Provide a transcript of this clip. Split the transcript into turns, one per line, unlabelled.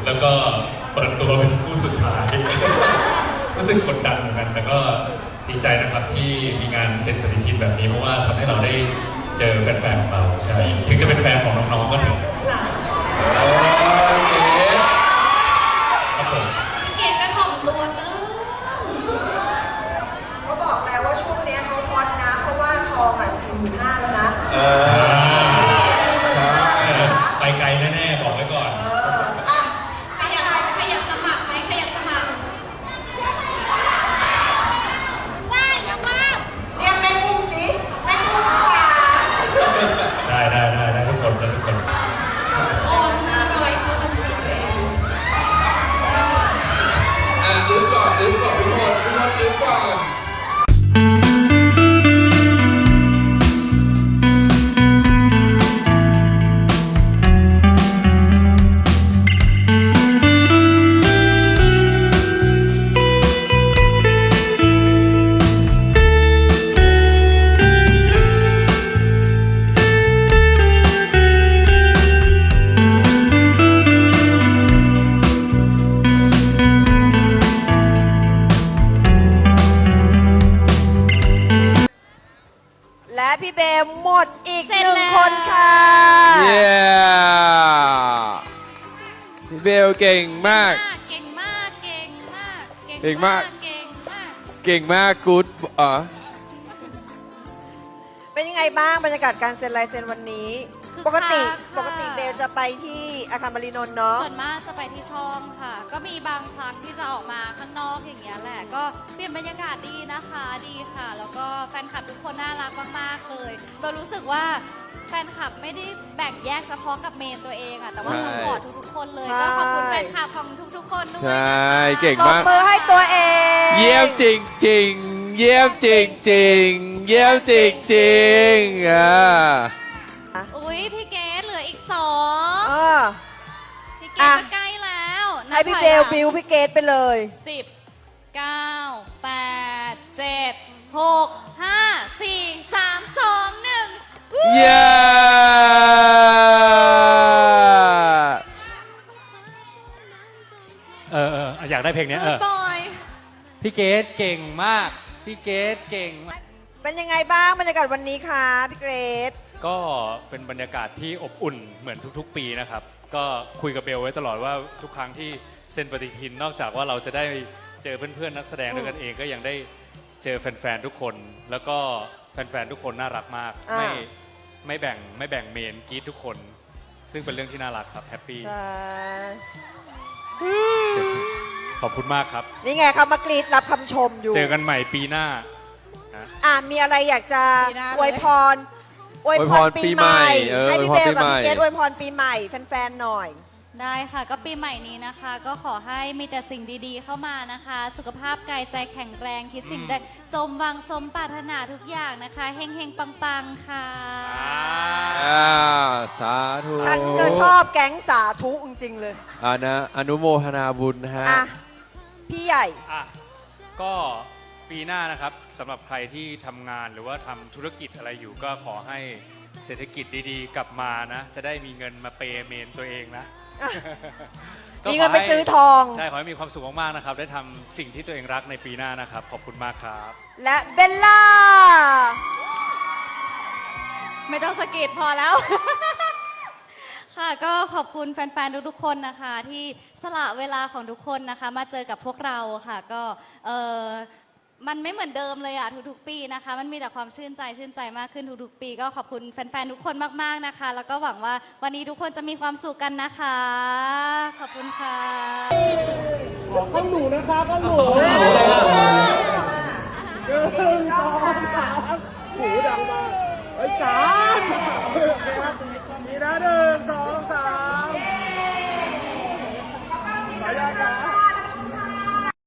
แล้วก็เปิดตัวเป็นคู่สุดท้าย รู้สึกกดดันเหมือนกันแต่ก็ดีใจนะครับที่มีงานเซ็นปฏิทินแบบนี้เพราะว่าทำให้เราได้เจอแฟนๆของเราใช่ถึงจะเป็นแฟนของน้องๆก็เถอะโอเคครับผม
พี่เกดก็ถ่อมตัวเกิน
เขาบอกแล้วว่าช่วงนี้เขาฮอตนะเพราะว่าทองอ่ะ45,000แล้วนะ45,000
ไปไกลแน่ๆบอกไว้ก่อน
อ่ะ
ใครอยากสมัครไหมใครอยากสมัคร
เรียกแม่กุ้งสิแม่กุ้งค่ะ
ได้ทุกคนทุกคน
โอน500เข้าบัญชีตัวเอง
อึ๊บก่อนทุกคนอึ๊บก่อน
และพี่เบลหมดอีก1 คนค่ะ
เย้พี่เบลเก่งมาก
เก่งมาก
เก่งมากกู๊ด
เป็นยังไงบ้างบรรยากาศการเซ็นลายเซ็นวันนี้ ปกติเบลจะไปที่อาคารบรินนท์เนาะ
ส่วนมากจะไปที่ช่องค่ะ ก็มีบางครั้งที่จะออกมาข้างนอกอย่างเงี้ยแหละ ก็เปลี่ยนบรรยากาศดีนะคะดีค่ะ แล้วก็แฟนคลับทุกคนน่ารักมากๆเลยเบลรู้สึกว่าแฟนคลับไม่ได้แบ่งแยกเฉพาะกับเมนตัวเองอะแต่ว่าสปอร์ตทุกๆคนเลย ก็ขอบคุณแฟนคลับของทุกๆคนด้วย
ใช่
นะคะ
เก่ง
ตบ
มาก
มือให้ตัวเอง
เยี่ยมจริงๆ เยี่ยมจริงๆ เยี่ยมจริงๆ
อุ้ยพี่เกดเหลืออีก
เอ
2
อ
พี่เก
อ่ะ
ดจะใกล้แล้ว
ให้พี่เบลบิวพี่เกดไปเลย
10 9 8 7 6 5 4 3 2 1
เย้
อยากได้เพลงนี้
บอย
พี่เกดเก่งมาก พี่เกดเก่งมาก
เป็นยังไงบ้างบรรยากาศวันนี้คะพี่เกรซ
ก็เป็นบรรยากาศที่อบอุ่นเหมือนทุกๆปีนะครับก็คุยกับเบลไว้ตลอดว่าทุกครั้งที่เซ็นปฏิทินนอกจากว่าเราจะได้เจอเพื่อนๆนักแสดงด้วยกันเองก็ยังได้เจอแฟนๆทุกคน แล้วก็แฟนๆทุกคนน่ารักมากไม่แบ่งเมนกรีดทุกคน ซึ่งเป็นเรื่องที่น่ารักครับแฮปปี้
ใช่
ขอบคุณมากครับ
นี่ไงเขามากรีดรับคำชมอยู่
เจอกันใหม่ปีหน้านะ
มีอะไรอยากจะ
ปีหน้าเลย
อวยพรปีใหม่ให้พี่เบลกับพี่เกรซอวยพรปีใหม่แฟนๆหน่อย
ได้ค่ะก็ปีใหม่นี้นะคะ ก็ขอให้มีแต่สิ่งดีๆเข้ามานะคะ สุขภาพกายใจแข็งแรงคิดสิ่งใดสมหวังสมปรารถนาทุกอย่างนะคะเฮงๆปังๆค่ะ
สาธุ
ฉันก็ชอบแก๊งสาธุจริงๆเลย
อนุโมทนาบุญฮะ
อ่ะ พี่ใหญ่
ก็ปีหน้านะครับสำหรับใครที่ทำงานหรือว่าทำธุรกิจอะไรอยู่ก็ขอให้เศรษฐกิจดีๆ กลับมานะ จะได้มีเงินมาเปย์เมนตัวเองนะ
มีเงินไปซื้อทอง
ใช่ขอให้มีความสุขมากๆนะครับได้ทำสิ่งที่ตัวเองรักในปีหน้านะครับขอบคุณมากครับ
และเบลล่า
ไม่ต้องสะกิดพอแล้ว ค่ะก็ขอบคุณแฟนๆทุกๆคนนะคะที่สละเวลาของทุกคนนะคะมาเจอกับพวกเราค่ะก็มันไม่เหมือนเดิมเลยอะทุกๆปีนะคะมันมีแต่ความชื่นใจมากขึ้นทุกๆปีก็ขอบคุณแฟนๆทุกคนมากๆนะคะแล้วก็หวังว่าวันนี้ทุกคนจะมีความสุขกันนะคะขอบคุณค่ะ
ต้องหนูนะคะต้องหนู1 2 3หูดังมากไอ้จ๋า